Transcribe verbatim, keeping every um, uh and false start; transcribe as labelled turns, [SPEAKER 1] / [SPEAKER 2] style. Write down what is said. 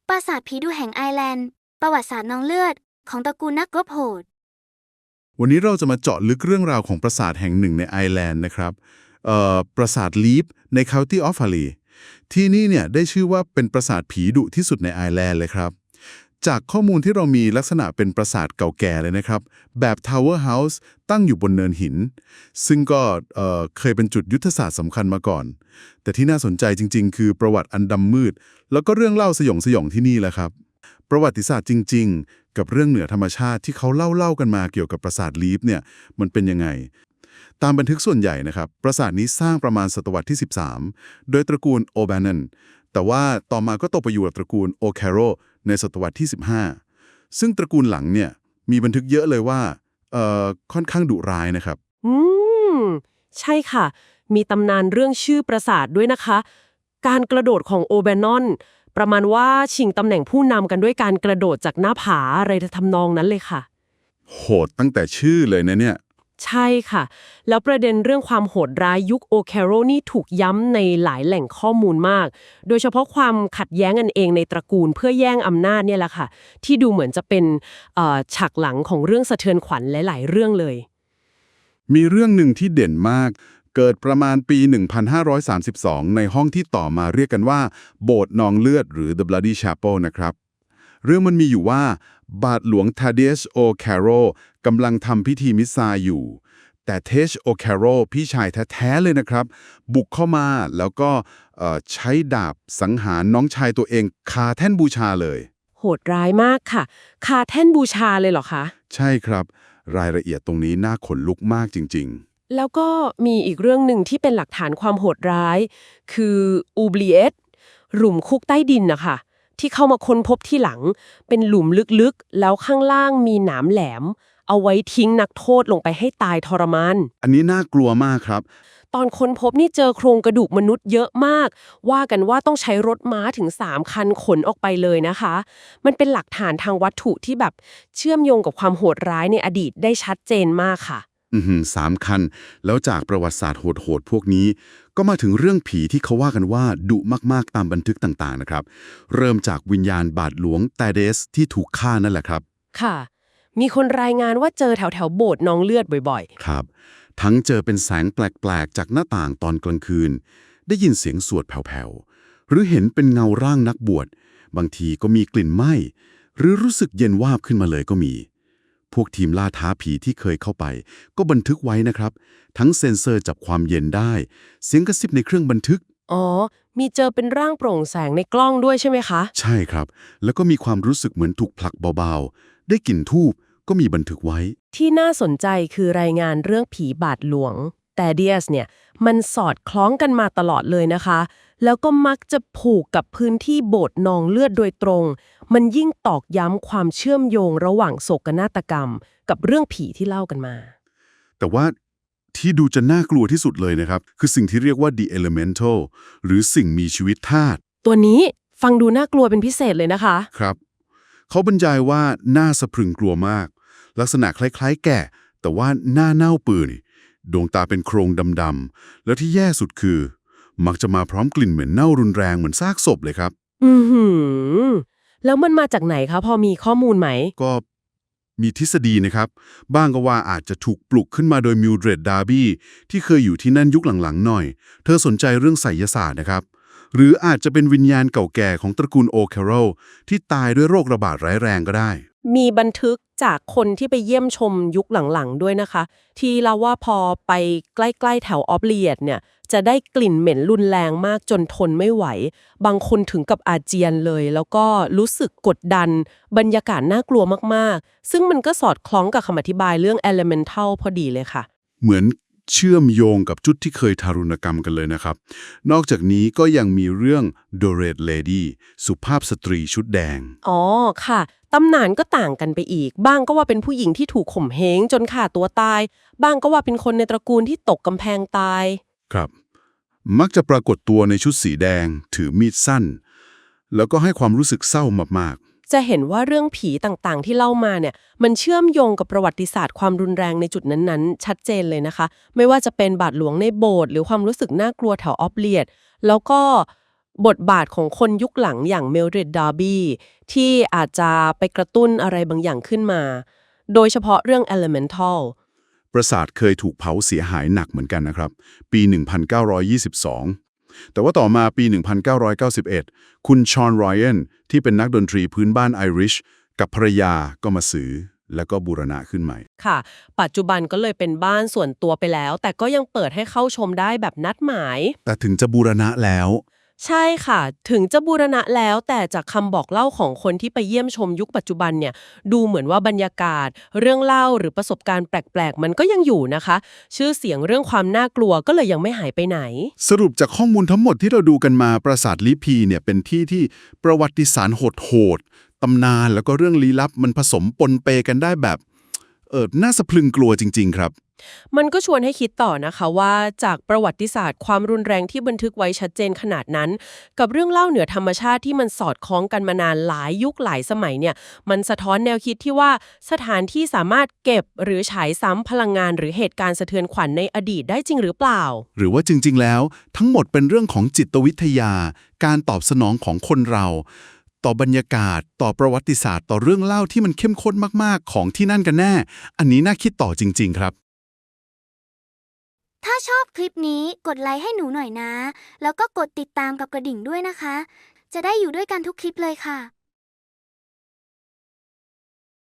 [SPEAKER 1] ปราสาทผีดุแห่งไอร์แลนด์ประวัติศาสตร์นองเลือดของตระกูลนักรบโหด
[SPEAKER 2] วันนี้เราจะมาเจาะลึกเรื่องราวของปราสาทแห่งหนึ่งในไอร์แลนด์นะครับเอ่อปราสาทลีฟใน County Offaly ที่นี่เนี่ยได้ชื่อว่าเป็นปราสาทผีดุที่สุดในไอร์แลนด์เลยครับจากข้อมูลที่เรามีลักษณะเป็นปราสาทเก่าแก่เลยนะครับแบบ Tower House ตั้งอยู่บนเนินหินซึ่งก็เอ่อเคยเป็นจุดยุทธศาสตร์สำคัญมาก่อนแต่ที่น่าสนใจจริงๆคือประวัติอันดำมืดแล้วก็เรื่องเล่าสยองสยองที่นี่แหละครับประวัติศาสตร์จริงๆกับเรื่องเหนือธรรมชาติที่เขาเล่าเล่ากันมาเกี่ยวกับปราสาทลีฟเนี่ยมันเป็นยังไงตามบันทึกส่วนใหญ่นะครับปราสาทนี้สร้างประมาณศตวรรษที่สิบสามโดยตระกูลโอแบนนนแต่ว่าต่อมาก็ตกไปอยู่กับตระกูลโอแคโรในศตวรรษที่สิบห้าซึ่งตระกูลหลังเนี่ยมีบันทึกเยอะเลยว่าเอ่อค่อนข้างดุร้ายนะครับ
[SPEAKER 3] อืมใช่ค่ะมีตำนานเรื่องชื่อปราสาทด้วยนะคะการกระโดดของโอแบนนอนประมาณว่าชิงตำแหน่งผู้นำกันด้วยการกระโดดจากหน้าผาอะไรทำนองนั้นเลยค่ะ
[SPEAKER 2] โหดตั้งแต่ชื่อเลยนะเนี่ย
[SPEAKER 3] ใช่ค่ะแล้วประเด็นเรื่องความโหดร้ายยุคโอแคโรนี่ถูกย้ำในหลายแหล่งข้อมูลมากโดยเฉพาะความขัดแย้งกันเองในตระกูลเพื่อแย่งอำนาจเนี่ยแหละค่ะที่ดูเหมือนจะเป็นฉากหลังของเรื่องสะเทือนขวัญหลายๆเรื่องเลย
[SPEAKER 2] มีเรื่องหนึ่งที่เด่นมากเกิดประมาณปี หนึ่งพันห้าร้อยสามสิบสอง ในห้องที่ต่อมาเรียกกันว่าโบสถ์นองเลือดหรือ The Bloody Chapel นะครับเรื่องมันมีอยู่ว่าบาทหลวงทาเดชโอแคโรกำลังทำพิธีมิสซาอยู่แต่เทชโอแคโรพี่ชายแท้ๆเลยนะครับบุกเข้ามาแล้วก็ใช้ดาบสังหารน้องชายตัวเองคาแท่นบูชาเลย
[SPEAKER 3] โหดร้ายมากค่ะคาแท่นบูชาเลยเหรอคะ
[SPEAKER 2] ใช่ครับรายละเอียดตรงนี้น่าขนลุกมากจริง
[SPEAKER 3] ๆแล้วก็มีอีกเรื่องหนึ่งที่เป็นหลักฐานความโหดร้ายคืออูบลีเอตหลุมคุกใต้ดินนะคะที่เข้ามาค้นพบที่หลังเป็นหลุมลึกๆแล้วข้างล่างมีหนามแหลมเอาไว้ทิ้งนักโทษลงไปให้ตายทรมาน
[SPEAKER 2] อันนี้น่ากลัวมากครับ
[SPEAKER 3] ตอนค้นพบนี่เจอโครงกระดูกมนุษย์เยอะมากว่ากันว่าต้องใช้รถม้าถึงสามคันขนออกไปเลยนะคะมันเป็นหลักฐานทางวัตถุที่แบบเชื่อมโยงกับความโหดร้ายในอดีตได้ชัดเจนมากค่ะ
[SPEAKER 2] อือหือสามคันแล้วจากประวัติศาสตร์โหดๆพวกนี้ก็มาถึงเรื่องผีที่เขาว่ากันว่าดุมากๆตามบันทึกต่างๆนะครับเริ่มจากวิญญาณบาทหลวงตาเดสที่ถูกฆ่านั่นแหละครับ
[SPEAKER 3] ค่ะมีคนรายงานว่าเจอแถวแถวโบสถ์นองเลือดบ่อย
[SPEAKER 2] ๆครับทั้งเจอเป็นแสงแปลกๆจากหน้าต่างตอนกลางคืนได้ยินเสียงสวดแผ่วๆหรือเห็นเป็นเงาร่างนักบวชบางทีก็มีกลิ่นไหม้หรือรู้สึกเย็นวาบขึ้นมาเลยก็มีพวกทีมล่าท้าผีที่เคยเข้าไปก็บันทึกไว้นะครับทั้งเซ็นเซอร์จับความเย็นได้เสียงกระซิบในเครื่องบันทึก
[SPEAKER 3] อ๋อมีเจอเป็นร่างโปร่งแสงในกล้องด้วยใช่ไหมคะ
[SPEAKER 2] ใช่ครับแล้วก็มีความรู้สึกเหมือนถูกผลักเบาๆได้กลิ่นธูปก็มีบันทึกไว้
[SPEAKER 3] ที่น่าสนใจคือรายงานเรื่องผีบาทหลวงแต่เดียสเนี่ยมันสอดคล้องกันมาตลอดเลยนะคะแล้วก็มักจะผูกกับพื้นที่โบสถ์นองเลือดโดยตรงมันยิ่งตอกย้ำความเชื่อมโยงระหว่างโศกนาฏกรรมกับเรื่องผีที่เล่ากันมา
[SPEAKER 2] แต่ว่าที่ดูจะน่ากลัวที่สุดเลยนะครับคือสิ่งที่เรียกว่า The Elemental หรือสิ่งมีชีวิตธาตุ
[SPEAKER 3] ตัวนี้ฟังดูน่ากลัวเป็นพิเศษเลยนะคะ
[SPEAKER 2] ครับเขาบรรยายว่าน่าสะพรึงกลัวมากลักษณะคล้ายๆแก่แต่ว่าหน้าเน่าเปื่อยดวงตาเป็นโครงดำๆแล้วที่แย่สุดคือมักจะมาพร้อมกลิ่นเหม็นเน่ารุนแรงเหมือนซากศพเลยครับ
[SPEAKER 3] อือหือแล้วมันมาจากไหนคะพอมีข้อมูลไหม
[SPEAKER 2] ก็มีทฤษฎีนะครับบ้างก็ว่าอาจจะถูกปลุกขึ้นมาโดยมิลเดรดดาร์บี้ที่เคยอยู่ที่นั่นยุคหลังๆหน่อยเธอสนใจเรื่องไสยศาสตร์นะครับหรืออาจจะเป็นวิญญาณเก่าแก่ของตระกูลโอแคโรที่ตายด้วยโรคระบาดร้ายแรงก็ได้
[SPEAKER 3] มีบันทึกจากคนที่ไปเยี่ยมชมยุคหลังๆด้วยนะคะที่เล่าว่าพอไปใกล้ๆแถวออฟเลียดเนี่ยจะได้กลิ่นเหม็นรุนแรงมากจนทนไม่ไหวบางคนถึงกับอาเจียนเลยแล้วก็รู้สึกกดดันบรรยากาศน่ากลัวมากๆซึ่งมันก็สอดคล้องกับคำอธิบายเรื่อง elemental พอดีเลยค่ะ
[SPEAKER 2] เหมือนเชื่อมโยงกับจุดที่เคยทารุณกรรมกันเลยนะครับนอกจากนี้ก็ยังมีเรื่อง The Red Lady สุภาพสตรีชุดแดง
[SPEAKER 3] อ๋อค่ะตำนานก็ต่างกันไปอีกบ้างก็ว่าเป็นผู้หญิงที่ถูกข่มเหงจนฆ่าตัวตายบ้างก็ว่าเป็นคนในตระกูลที่ตกกำแพงตาย
[SPEAKER 2] ครับมักจะปรากฏตัวในชุดสีแดงถือมีดสั้นแล้วก็ให้ความรู้สึกเศร้ามาก
[SPEAKER 3] ๆจะเห็นว่าเรื่องผีต่างๆที่เล่ามาเนี่ยมันเชื่อมโยงกับประวัติศาสตร์ความรุนแรงในจุดนั้นๆชัดเจนเลยนะคะไม่ว่าจะเป็นบาทหลวงในโบสถ์หรือความรู้สึกน่ากลัวแถวออฟเลียดแล้วก็บทบาทของคนยุคหลังอย่างเมลดริด ดาร์บี้ที่อาจจะไปกระตุ้นอะไรบางอย่างขึ้นมา โดยเฉพาะเรื่อง Elemental
[SPEAKER 2] ปราสาทเคยถูกเผาเสียหายหนักเหมือนกันนะครับ ปี หนึ่งพันเก้าร้อยยี่สิบสอง แต่ว่าต่อมาปี หนึ่งพันเก้าร้อยเก้าสิบเอ็ด คุณชอน ไรอันที่เป็นนักดนตรีพื้นบ้านไอริชกับภรรยาก็มาซื้อแล้วก็บูรณะขึ้นใหม่
[SPEAKER 3] ค่ะ ปัจจุบันก็เลยเป็นบ้านส่วนตัวไปแล้ว แต่ก็ยังเปิดให้เข้าชมได้แบบนัดหมาย
[SPEAKER 2] แต่ถึงจะบูรณะแล้ว
[SPEAKER 3] ใช่ค่ะ ถึงจะบูรณะแล้วแต่จากคำบอกเล่าของคนที่ไปเยี่ยมชมยุคปัจจุบันเนี่ยดูเหมือนว่าบรรยากาศ เรื่องเล่าหรือประสบการณ์แปลกๆ มันก็ยังอยู่นะคะ ชื่อเสียงเรื่องความน่ากลัวก็เลยยังไม่หายไปไหน
[SPEAKER 2] สรุปจากข้อมูลทั้งหมดที่เราดูกันมาปราสาทลิพีเนี่ยเป็นที่ที่ประวัติศาสตร์โหดๆตำนานแล้วก็เรื่องลี้ลับมันผสมปนเปกันได้แบบเออน่าสะพรึงกลัวจริงๆครับ
[SPEAKER 3] มันก็ชวนให้คิดต่อนะคะว่าจากประวัติศาสตร์ความรุนแรงที่บันทึกไว้ชัดเจนขนาดนั้น กับเรื่องเล่าเหนือธรรมชาติที่มันสอดคล้องกันมานานหลายยุคหลายสมัยเนี่ยมันสะท้อนแนวคิดที่ว่าสถานที่สามารถเก็บหรือฉายซ้ำพลังงานหรือเหตุการณ์สะเทือนขวัญในอดีตได้จริงหรือเปล่า
[SPEAKER 2] หรือว่าจริงๆแล้วทั้งหมดเป็นเรื่องของจิตวิทยา การตอบสนองของคนเรา ต่อบรรยากาศ ต่อประวัติศาสตร์ ต่อเรื่องเล่าที่มันเข้มข้นมากๆของที่นั่นกันแน่ อันนี้น่าคิดต่อจริงๆครับ
[SPEAKER 1] ถ้าชอบคลิปนี้กดไลค์ให้หนูหน่อยนะ แล้วก็กดติดตามกับกระดิ่งด้วยนะคะ จะได้อยู่ด้วยกันทุกคลิปเลยค่ะ